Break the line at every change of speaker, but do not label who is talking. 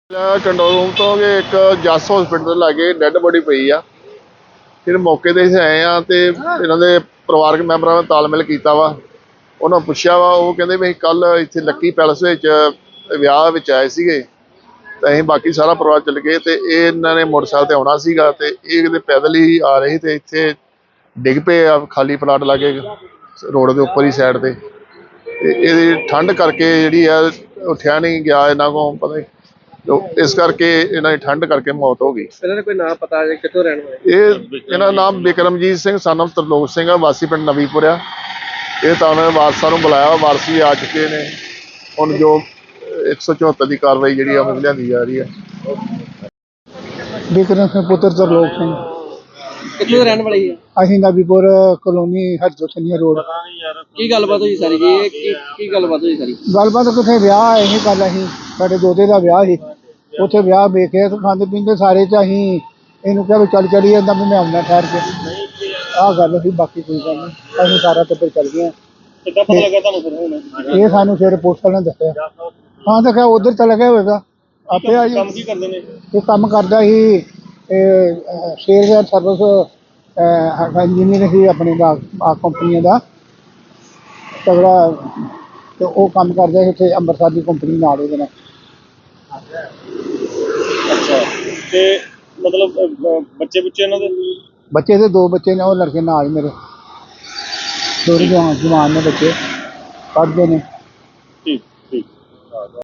Control room ਤੋਂ ਕਿ ਇੱਕ ਜੱਸ ਹਸਪੀਟਲ ਲਾਗੇ ਡੈੱਡ ਬੋਡੀ ਪਈ ਆ। ਫਿਰ ਮੌਕੇ 'ਤੇ ਅਸੀਂ ਆਏ ਆ ਤੇ ਇਹਨਾਂ ਦੇ ਪਰਿਵਾਰਕ ਮੈਂਬਰਾਂ ਨਾਲ ਤਾਲਮੇਲ ਕੀਤਾ ਵਾ। ਉਹਨਾਂ ਪੁੱਛਿਆ ਵਾ, ਉਹ ਕਹਿੰਦੇ ਵੀ ਅਸੀਂ ਕੱਲ੍ਹ ਇੱਥੇ ਲੱਕੀ ਪੈਲਸ ਵਿੱਚ ਵਿਆਹ ਵਿੱਚ ਆਏ ਸੀਗੇ ਤੇ ਅਸੀਂ ਬਾਕੀ ਸਾਰਾ ਪਰਿਵਾਰ ਚੱਲ ਗਏ ਤੇ ਇਹਨਾਂ ਨੇ ਮੋਟਰਸਾਈਕਲ 'ਤੇ ਆਉਣਾ ਸੀਗਾ ਤੇ ਇਹ ਕਿਤੇ ਪੈਦਲ ਹੀ ਆ ਰਹੇ ਤੇ ਇੱਥੇ ਡਿੱਗ ਪਏ ਆ ਖਾਲੀ ਪਲਾਟ ਲਾਗੇ ਰੋਡ ਦੇ ਉੱਪਰ ਹੀ ਸਾਈਡ ਤੇ ਇਹਦੀ ਠੰਡ ਕਰਕੇ ਜਿਹੜੀ ਆ ਉੱਠਿਆ ਨਹੀਂ ਗਿਆ ਇਹਨਾਂ ਕੋਲ ਪਤਾ ਨਹੀਂ, ਇਸ ਕਰਕੇ ਇਹਨਾਂ ਦੀ ਠੰਡ ਕਰਕੇ ਮੌਤ ਹੋ ਗਈ।
ਇਹਨਾਂ ਨੇ ਕੋਈ ਨਾਮ ਪਤਾ ਹੈ ਕਿੱਥੋਂ ਰਹਿਣ ਵਾਲੇ?
ਇਹਨਾਂ ਦਾ ਨਾਮ ਬਿਕਰਮਜੀਤ ਸਿੰਘ son of ਤਰਲੋਕ ਸਿੰਘ ਆ, ਵਾਸੀ ਪਿੰਡ ਨਵੀਂਪੁਰ ਆ। ਇਹ ਤਾਂ ਉਹਨਾਂ ਨੇ ਵਾਰਸਾਂ ਨੂੰ ਬੁਲਾਇਆ, ਵਾਰਸ ਵੀ ਆ ਚੁੱਕੇ ਨੇ। ਹੁਣ ਜੋ 174 ਦੀ ਕਾਰਵਾਈ ਜਿਹੜੀ ਆ ਉਹ ਲਿਆਂਦੀ ਜਾ ਰਹੀ ਹੈ।
ਬਿਕਰਮ ਸਿੰਘ ਪੁੱਤਰ ਤਰਲੋਕ ਸਿੰਘ।
ਕਿੱਥੋਂ ਰਹਿਣ ਵਾਲੇ ਆ?
ਅਸੀਂ ਨਵੀਪੁਰ ਕਲੋਨੀ ਹਰਜੋਤਨੀਆ ਰੋਡ।
ਕੀ ਗੱਲਬਾਤ ਹੋਈ ਸਾਰੀ ਜੀ? ਇਹ ਕੀ ਗੱਲਬਾਤ ਹੋਈ ਸਾਰੀ?
ਗੱਲਬਾਤ ਕਿਤੇ ਵਿਆਹ ਆਏ ਸੀ ਕੱਲ੍ਹ, ਅਸੀਂ ਸਾਡੇ ਦੋਤੇ ਦਾ ਵਿਆਹ ਸੀ। ਉੱਥੇ ਵਿਆਹ ਵੇਖਿਆ ਖਾਂਦੇ ਪੀਂਦੇ ਸਾਰੇ ਚ ਅਸੀਂ ਇਹਨੂੰ ਕਿਹਾ ਵੀ ਚੱਲ ਚਲੀ ਜਾਂਦਾ ਵੀ ਮੈਂ ਆਉਂਦਾ ਠਹਿਰ ਕੇ। ਆਹ ਗੱਲ ਸੀ, ਬਾਕੀ ਕੋਈ ਗੱਲ ਨਹੀਂ। ਅਸੀਂ ਸਾਰਾ ਟੱਬਰ ਚੱਲ ਗਏ।
ਕਿੱਦਾਂ ਪਤਾ ਲੱਗਾ ਤੁਹਾਨੂੰ ਫਿਰ ਹੁਣ?
ਇਹ ਸਾਨੂੰ ਫਿਰ ਪੁਲਿਸ ਵਾਲਿਆਂ ਨੇ ਦੱਸਿਆ। ਹਾਂ ਤਾਂ ਕਿਹਾ ਉੱਧਰ ਚਲਾ ਗਿਆ ਹੋਵੇਗਾ ਆਪੇ ਆ ਜੀ।
ਕੰਮ ਕੀ ਕਰਦੇ ਨੇ?
ਇਹ ਕੰਮ ਕਰਦਾ ਸੀ ਸੇਲਵੇਅਰ ਸਰਵਿਸ ਇੰਜੀਨੀਅਰ ਸੀ ਆਪਣੇ ਦਾ ਕੰਪਨੀਆਂ ਦਾ ਤਗੜਾ, ਤੇ ਉਹ ਕੰਮ ਕਰਦਾ ਸੀ ਇੱਥੇ ਅੰਮ੍ਰਿਤਸਰ ਦੀ ਕੰਪਨੀ ਨਾਲ ਉਹਦੇ ਨਾਲ।
ਅੱਛਾ, ਤੇ ਮਤਲਬ ਬੱਚੇ ਇਹਨਾਂ ਦੇ?
ਬੱਚੇ ਦੇ 2 ਬੱਚੇ ਨੇ, ਉਹ ਲੜਕੇ ਨਾਲ ਮੇਰੇ ਥੋੜ੍ਹੇ ਜਵਾਨ ਨੇ ਬੱਚੇ, ਪੜ੍ਹਦੇ ਨੇ।
ਠੀਕ ਠੀਕ।